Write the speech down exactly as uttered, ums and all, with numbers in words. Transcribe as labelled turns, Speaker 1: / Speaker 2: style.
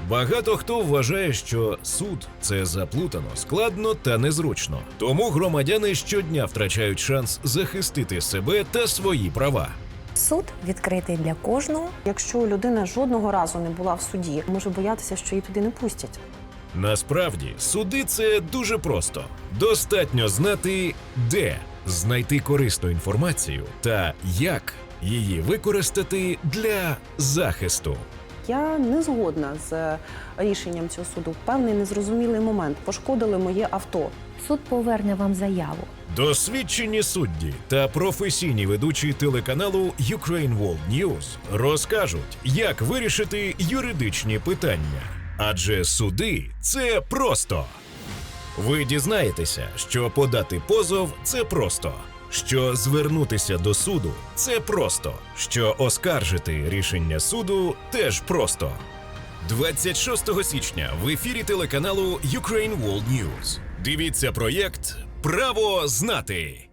Speaker 1: Багато хто вважає, що суд – це заплутано, складно та незручно. Тому громадяни щодня втрачають шанс захистити себе та свої права.
Speaker 2: Суд відкритий для кожного.
Speaker 3: Якщо людина жодного разу не була в суді, може боятися, що її туди не пустять.
Speaker 1: Насправді, суди – це дуже просто. Достатньо знати, де знайти корисну інформацію та як її використати для захисту.
Speaker 3: Я не згодна з рішенням цього суду. В певний незрозумілий момент пошкодили моє авто.
Speaker 2: Суд поверне вам заяву.
Speaker 1: Досвідчені судді та професійні ведучі телеканалу Ukraine World News розкажуть, як вирішити юридичні питання. Адже суди – це просто. Ви дізнаєтеся, що подати позов – це просто, що звернутися до суду – це просто, що оскаржити рішення суду – теж просто. двадцять шостого січня в ефірі телеканалу Ukraine World News. Дивіться проєкт «Право знати».